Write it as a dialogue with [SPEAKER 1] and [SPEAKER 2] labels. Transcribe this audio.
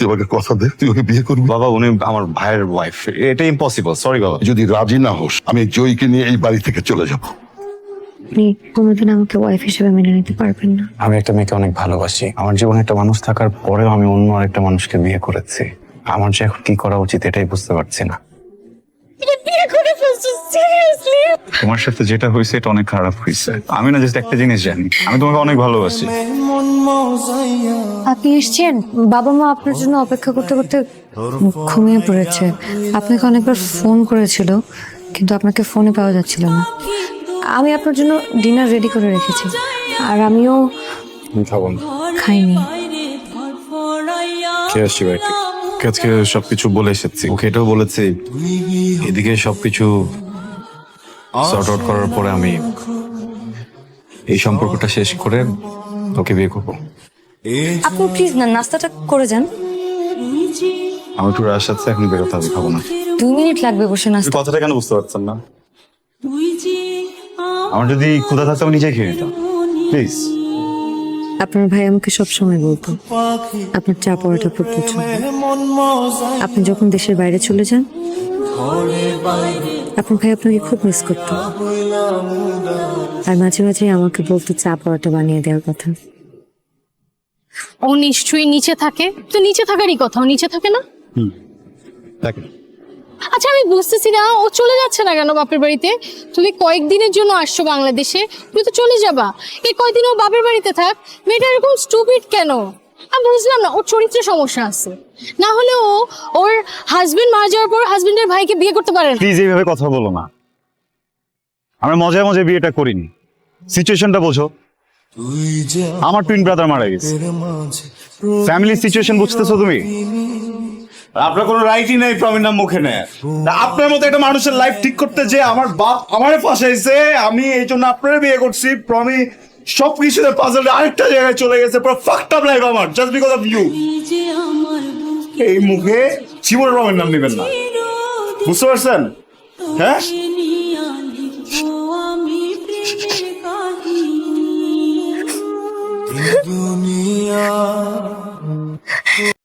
[SPEAKER 1] তুই আমাকে কথা দে, তুই ওকে বিয়ে করবি।
[SPEAKER 2] বাবা উনি আমার ভাইয়ের ওয়াইফ, এটা ইম্পসিবল। সরি বাবা।
[SPEAKER 1] যদি রাজি না হোস, আমি জয়কে নিয়ে এই বাড়ি থেকে চলে যাব।
[SPEAKER 3] আপনি কোনোদিন আমাকে ওয়াইফ হিসেবে মেনে নিতে পারবেন না।
[SPEAKER 4] আমি একটা মেয়েকে অনেক ভালোবাসি। আমার জীবনে একটা মানুষ থাকার পরেও আমি অন্য আরেকটা মানুষকে বিয়ে করেছি। আমার যে এখন কি করা উচিত এটাই বুঝতে পারছি না। তোমার সাথে যেটা হয়েছে এটা অনেক খারাপ হয়েছে। আমি না জাস্ট একটা জিনিস জানি, আমি তোমাকে অনেক ভালোবাসি।
[SPEAKER 3] আপনি এসছেন, বাবা মা আপনার জন্য অপেক্ষা করতে করতে ঘুমিয়ে পড়েছে। আপনাকে অনেকবার ফোন করেছিল, কিন্তু আপনাকে ফোনে পাওয়া যাচ্ছিল না। আমি আপনার জন্য ডিনার রেডি করে রেখেছি, আর আমিও
[SPEAKER 4] খাবো না,
[SPEAKER 3] খাইনি।
[SPEAKER 4] কে আসছি বাড়িতে? আজকে সবকিছু বলে এসেছি, ওকে এটাও বলেছি। এদিকে সবকিছু সর্ট আউট করার পরে আমি এই সম্পর্কটা শেষ করে ওকে বিয়ে করবো।
[SPEAKER 3] আপনি প্লিজ না নাস্তাটা করে যান।
[SPEAKER 4] আমি একটু রাশ আছে, এখন বেরোতে হবে, খাবো না।
[SPEAKER 3] 2 মিনিট লাগবে বসে নাস্তা।
[SPEAKER 4] কথাটা কেন বুঝতে পারছেন না? আমার যদি ক্ষুধা থাকতো আমি নিজেই খেয়ে নিতাম। প্লিজ।
[SPEAKER 3] আপনার ভাই আমাকে সবসময় বলতো আপনার চা পড়াটা খুব পছন্দ। আপনি যখন দেশের বাইরে চলে যান, আপনার ভাই আপনাকে খুব মিস করতো, আর মাঝে মাঝে আমাকে বলতো চা পড়াটা বানিয়ে দেওয়ার কথা।
[SPEAKER 5] ও নিশ্চয়ই নিচে থাকে, তো নিচে থাকারই কথা, ও নিচে থাকে না।
[SPEAKER 4] দেখেন,
[SPEAKER 5] আচ্ছা আমি বুঝতেছি না ও চলে যাচ্ছে না কেন বাপের বাড়িতে। তুমি কয়েকদিনের জন্য আসছো বাংলাদেশে, তুমি তো চলে যাবা। এই কয়েকদিন ও বাপের বাড়িতে থাক। মেয়েটা এরকম স্টুপিড কেন? আমি বুঝলাম না, ওর চরিত্রে সমস্যা আছে। না হলে ও ওর হাজবেন্ড মারা যাওয়ার পর হাজবেন্ডের ভাইকে বিয়ে করতে পারে না।
[SPEAKER 4] প্লিজ এইভাবে কথা বলো না। আমরা মজায় মজায় বিয়েটা করিনি, সিচুয়েশনটা বোঝো। আমার টুইন ব্রাদার মারা গেছে, ফ্যামিলি সিচুয়েশন বুঝতেছো তুমি? আপনার কোনো রাইটই নেই প্রমির নাম মুখে নেয়। আপনার মতো একটা মানুষের লাইফ ঠিক করতে যে আমার বাপ আমারে ফাঁসাইছে, আমি এই জন্য আপনারে বিয়ে করছি। প্রমি সবকিছুতে পাজলে আরেকটা জায়গায় চলে গেছে, পুরো ফাকড আপ লাইফ আমার, জাস্ট বিকজ অফ ইউ। এই মুখে জীবনে প্রমির নাম নেবেন না, বুঝতে পারছেন? হ্যাঁ।